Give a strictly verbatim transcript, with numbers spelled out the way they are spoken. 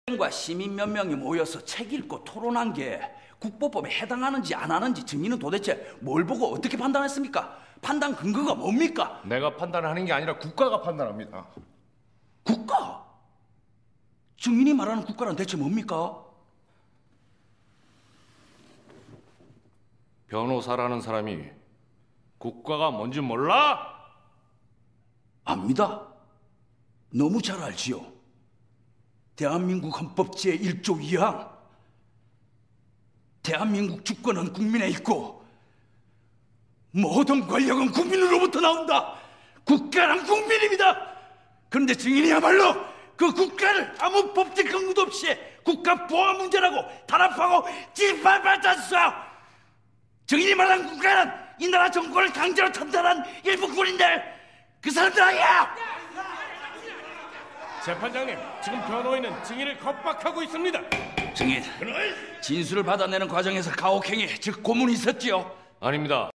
과 시민 몇 명이 모여서 책 읽고 토론한 게 국보법에 해당하는지 안 하는지 증인은 도대체 뭘 보고 어떻게 판단했습니까? 판단 근거가 뭡니까? 내가 판단하는 게 아니라 국가가 판단합니다. 국가? 증인이 말하는 국가란 대체 뭡니까? 변호사라는 사람이 국가가 뭔지 몰라? 압니다. 너무 잘 알지요. 대한민국 헌법 제일 조 이 항. 대한민국 주권은 국민에 있고 모든 권력은 국민으로부터 나온다. 국가란 국민입니다. 그런데 증인이야말로 그 국가를 아무 법적 근거도 없이 국가 보안 문제라고 탄압하고 짓밟았잖소. 증인이 말한 국가는 이 나라 정권을 강제로 탄탄한 일부 군인들, 그 사람들 아니야. 재판장님, 지금 변호인은 증인을 겁박하고 있습니다. 증인, 진술을 받아내는 과정에서 가혹행위, 즉 고문이 있었지요? 아닙니다.